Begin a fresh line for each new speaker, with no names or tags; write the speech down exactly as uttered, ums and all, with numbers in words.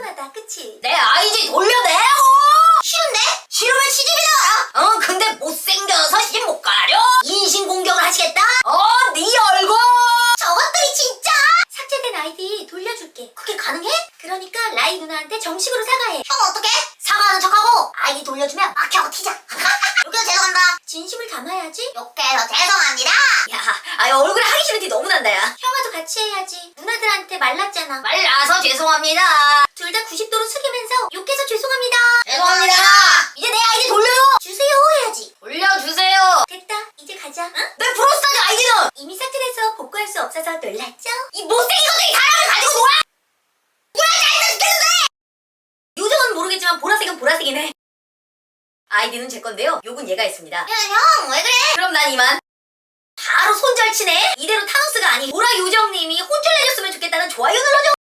뻔하다, 그치?
내 아이디 돌려내라고!
싫은데? 싫으면 시집이나 가라.
어 근데 못생겨서 시집 못 가려? 인신공격을 하시겠다? 어 네 얼굴!
저것들이 진짜! 삭제된 아이디 돌려줄게. 그게 가능해? 그러니까 라이 누나한테 정식으로 사과해. 형 어떡해? 사과하는 척하고 아이디 돌려주면 막혀고 튀자. 욕해서 죄송합니다. 진심을 담아야지. 욕해서 죄송합니다.
야, 아유 얼굴에 하기 싫은 티 너무 난다 야.
형아도 같이 해야지. 누나들한테 말랐잖아.
말라서 죄송합니다.
둘 다 구십 도로 숙이면서 욕해서 죄송합니다.
죄송합니다. 이제 내 아이디 돌려요.
주세요 해야지.
돌려주세요.
됐다. 이제 가자. 응?
내 브로스타즈 아이디는
이미 삭제돼서 복구할 수 없어서 놀랐죠?
이 못생긴 것들이 사람을 가지고 놀아. 뭐야 짜증나 죽겠는데. 요즘은 모르겠지만 보라색은 보라색이네. 아이디는 제 건데요. 욕은 얘가 했습니다.
야, 형, 왜 그래?
그럼 난 이만. 바로 손절치네. 이대로 타노스가 아닌 보라 요정님이 혼쭐 내줬으면 좋겠다는 좋아요 눌러